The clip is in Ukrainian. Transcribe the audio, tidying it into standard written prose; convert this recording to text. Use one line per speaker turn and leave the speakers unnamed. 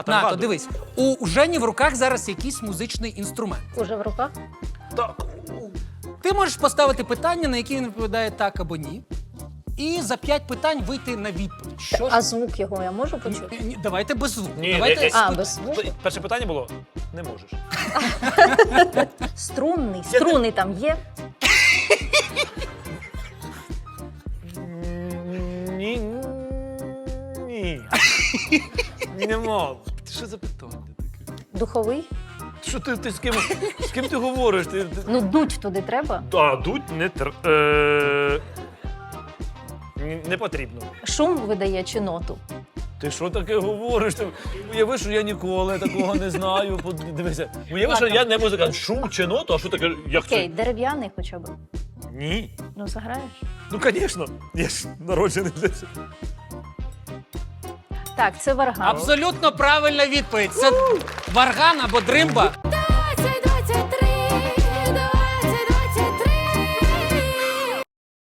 Нато, дивись, у Жені в руках зараз якийсь музичний інструмент.
Уже в руках?
Так.
Ти можеш поставити питання, на які він відповідає так або ні. І за 5 питань вийти на відповідь. Що ж?
А звук його я можу почути?
Ні, давайте без звуку.
Ні,
Давайте
А, без звуку?
Перше питання було – не можеш.
Струнний. Струни там є?
Ні. Ні. Нема. Що за питання таке?
Духовий?
Що ти з ким ти говориш?
Ну, дуть туди треба.
А, дуть не потрібно.
Шум видає чи ноту?
Ти що таке говориш? Уяви, що я ніколи такого не знаю. Дивися, уяви, що я не музикант. Шум чи ноту, а що таке? Як
Окей,
це?
дерев'яний хоча б.
Ні.
Ну, заграєш?
Ну, звісно. Я ж народжений для цього.
Так, це варган.
Абсолютно правильна відповідь. Це варган або дримба.